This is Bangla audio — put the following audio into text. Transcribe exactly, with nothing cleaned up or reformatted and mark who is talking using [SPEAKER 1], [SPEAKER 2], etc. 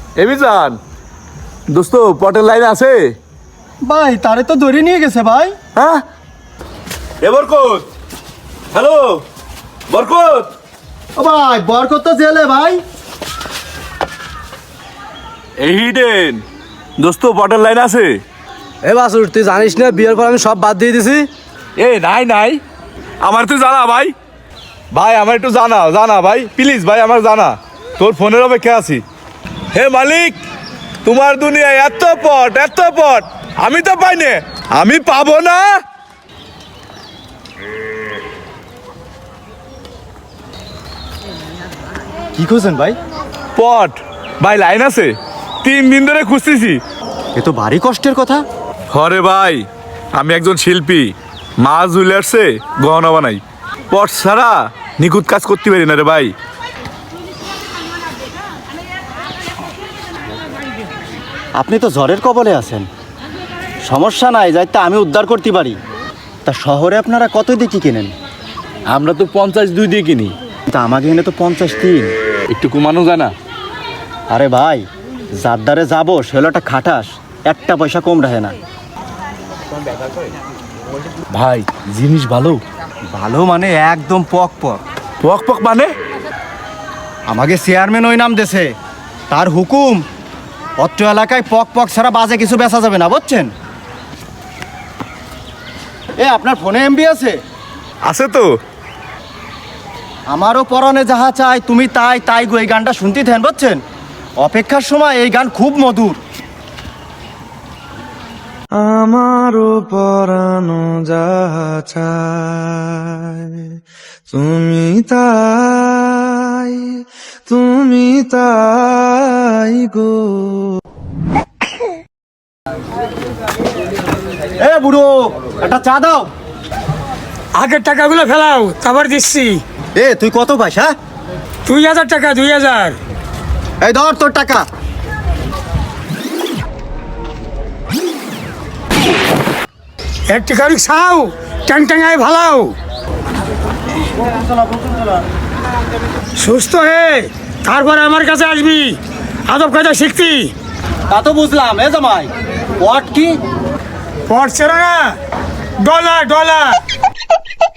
[SPEAKER 1] এমিজান দোস্ত পটের লাইন আছে
[SPEAKER 2] ভাই তারে তো ধরে নিয়ে গেছে ভাই।
[SPEAKER 1] হ্যাঁ এ বরকত, হ্যালো বরকত।
[SPEAKER 2] ও ভাই বরকত তো জেলে ভাই।
[SPEAKER 1] এই হিডেন দোস্ত পটের লাইন আছে।
[SPEAKER 3] এ বাসুর তুই জানিস না বিয়ের পর আমি সব বাদ দিয়ে দিছি।
[SPEAKER 1] এ নাই নাই আমার তুই জানা ভাই, ভাই আমার একটু জানা জানা ভাই প্লিজ ভাই আমার জানা, তোর ফোনের অপেক্ষা আছি। হে মালিক তোমার দুনিয়ায় এত পট এত পট আমি তো পাই না, আমি পাবো না।
[SPEAKER 2] কি করছেন ভাই?
[SPEAKER 1] পট ভাই লাইন আছে, তিন দিন ধরে খুঁজতেছি।
[SPEAKER 2] এ তো ভারী কষ্টের কথা।
[SPEAKER 1] হরে ভাই আমি একজন শিল্পী, মা জুয়েলার্সে গহনা বানাই, পট ছাড়া নিখুঁত কাজ করতে পারি না রে ভাই।
[SPEAKER 2] আপনি তো জ্বরের কবলে আছেন, সমস্যা নাই, যাইতে আমি উদ্ধার করতে পারি। তা শহরে আপনারা কত দিয়ে কি কেনেন?
[SPEAKER 1] আমরা তো পঞ্চাশ দুই দিয়ে কিনি,
[SPEAKER 2] তা আমাকে এনে তো পঞ্চাশ তিন।
[SPEAKER 1] একটু কমানো যায় না?
[SPEAKER 2] আরে ভাই যার দ্বারে যাবো সেলোটা খাটাস, একটা পয়সা কম রাখে না।
[SPEAKER 1] ভাই জিনিস ভালো।
[SPEAKER 2] ভালো মানে একদম পক পক।
[SPEAKER 1] পক পক মানে?
[SPEAKER 2] আমাকে চেয়ারম্যান ওই নাম দেছে, তার হুকুম অত্র এলাকায় পক পক ছাড়া বাজে কিছু বেচা যাবে না, বুঝছেন? এ আপনার ফোনে এমবি আছে?
[SPEAKER 1] আছে তো।
[SPEAKER 2] আমারও পরনে যাহা চাই তুমি তাই তাই গো, এই গানটা শুনতে থেন, বুঝছেন? অপেক্ষার সময় এই গান খুব মধুর।
[SPEAKER 4] আমারও পরানো যাহা চায় তুমি তাই তুমি তাই গো।
[SPEAKER 2] এ বুড়ো একটা চা দাও।
[SPEAKER 5] আগের টাকাগুলো ফেলাও, তারপর দিচ্ছি।
[SPEAKER 2] এ তুই কত পাইস? হ্যাঁ
[SPEAKER 5] দুই হাজার টাকা, দুই হাজার।
[SPEAKER 2] এই ধর তোর টাকা।
[SPEAKER 5] একটি গাড়ি খাও, ট্যাং ট্যাঙায় ভালাও। সুস্থ হে তারপরে আমার কাছে আসবি, আদব কায়দা শিখতি।
[SPEAKER 2] তা তো বুঝলাম। এ জামাই ওয়াট কি?
[SPEAKER 5] পড়ছে না, ডলার ডলার।